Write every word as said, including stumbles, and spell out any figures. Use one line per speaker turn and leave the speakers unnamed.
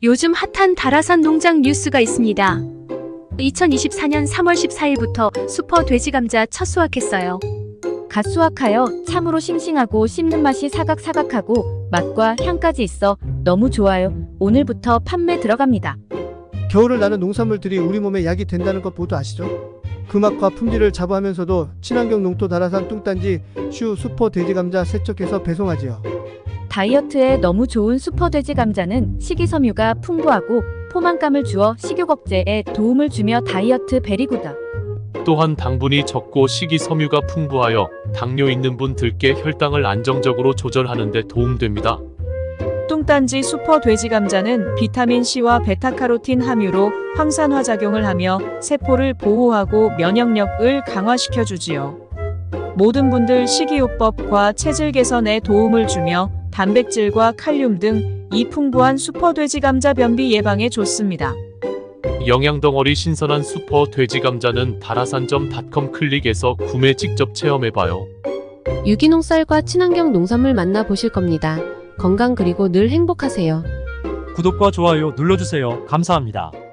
요즘 핫한 다라산 농장 뉴스가 있습니다. 이천이십사 년 삼월 십사일부터 슈퍼 돼지감자 첫 수확했어요.
갓 수확하여 참으로 싱싱하고 씹는 맛이 사각사각하고 맛과 향까지 있어 너무 좋아요. 오늘부터 판매 들어갑니다.
겨울을 나는 농산물들이 우리 몸에 약이 된다는 것 모두 아시죠? 그 맛과 품질을 자부하면서도 친환경 농토 다라산 뚱딴지 슈 슈퍼 돼지감자 세척해서 배송하지요.
다이어트에 너무 좋은 슈퍼 돼지 감자는 식이섬유가 풍부하고 포만감을 주어 식욕 억제에 도움을 주며 다이어트 베리구다.
또한 당분이 적고 식이섬유가 풍부하여 당뇨 있는 분들께 혈당을 안정적으로 조절하는 데 도움됩니다.
뚱딴지 슈퍼 돼지 감자는 비타민C와 베타카로틴 함유로 항산화작용을 하며 세포를 보호하고 면역력을 강화시켜주지요. 모든 분들 식이요법과 체질 개선에 도움을 주며 단백질과 칼륨 등 이 풍부한 슈퍼 돼지 감자 변비 예방에 좋습니다.
영양덩어리 신선한 슈퍼 돼지 감자는 다라산점 닷컴 클릭에서 구매 직접 체험해봐요.
유기농 쌀과 친환경 농산물 만나보실 겁니다. 건강 그리고 늘 행복하세요.
구독과 좋아요 눌러주세요. 감사합니다.